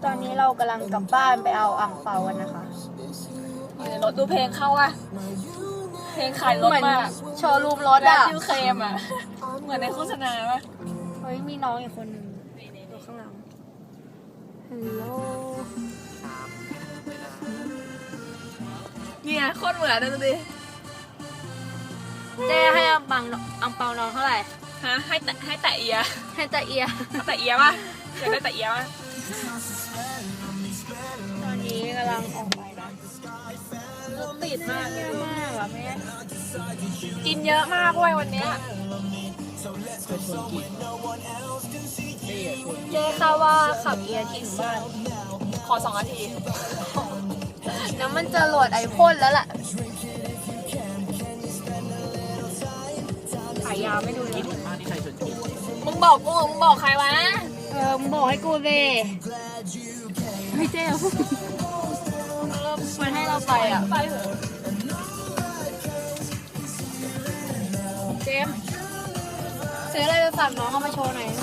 ตอนนี้เรากำลังกลับบ้านไปเอาอ่างเปากันนะคะอยู่ในรถดูเพลงเข้าอะเพลงขายรถเหมือนมากโชว์รูมรถแบรนอ่ะด์ชื่อเคมอะเหมือนในโฆษณาปะเฮ้ยมีน้องอีกคนหนึ่งอยู่ข้างหลังฮัลโหลเนี่ยโคตรเหมือนเลยดูดิเจ๊ให้อังเปาน้องเท่าไหร่ฮะให้แตะเอียให้ตาเอียเอาแตะเอียปะอยากได้แตะเอียปะตอนนี้กำลังออกไปนะรถติดมากเยอะมากอ่ะแม่กินเยอะมากเว้ยวันเนี้ยเจ๊ค่ะว่าขับเอียถึงบ้านขอ2 นาทีแล้วมันจะโหลดไอพ่นแล้วล่ะขายยาวไม่ดูเลยมึงบอกกูมึงบอกใครวะมึงบอกให้กูเลยไม่เจ๊พูดมันให้เราไปอ่ะไปเถอะเจมส์ซื้ออะไรไปฝากน้องเอามาโชว์หน่อย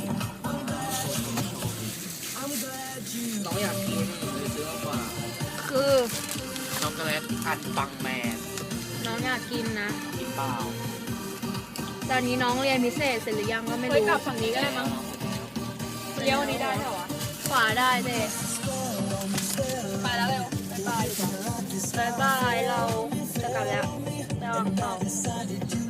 น้องอยากกินเลยซื้อมากกว่าคือช็อกโกแลตอันปังแมนน้องอยากกินนะกินเปล่าตอนนี้น้องเรียนพิเศษเสร็จหรือยังก็ไม่เฮ้ยรู้กลับฝั่งนี้ก็ได้มั้งเลี้ยววันนี้ได้เหรอวะขวาได้เจ๊ไปแล้วเร็วบ๊ายบายบายบายเราจะกลับแล้วไปวางเปล่า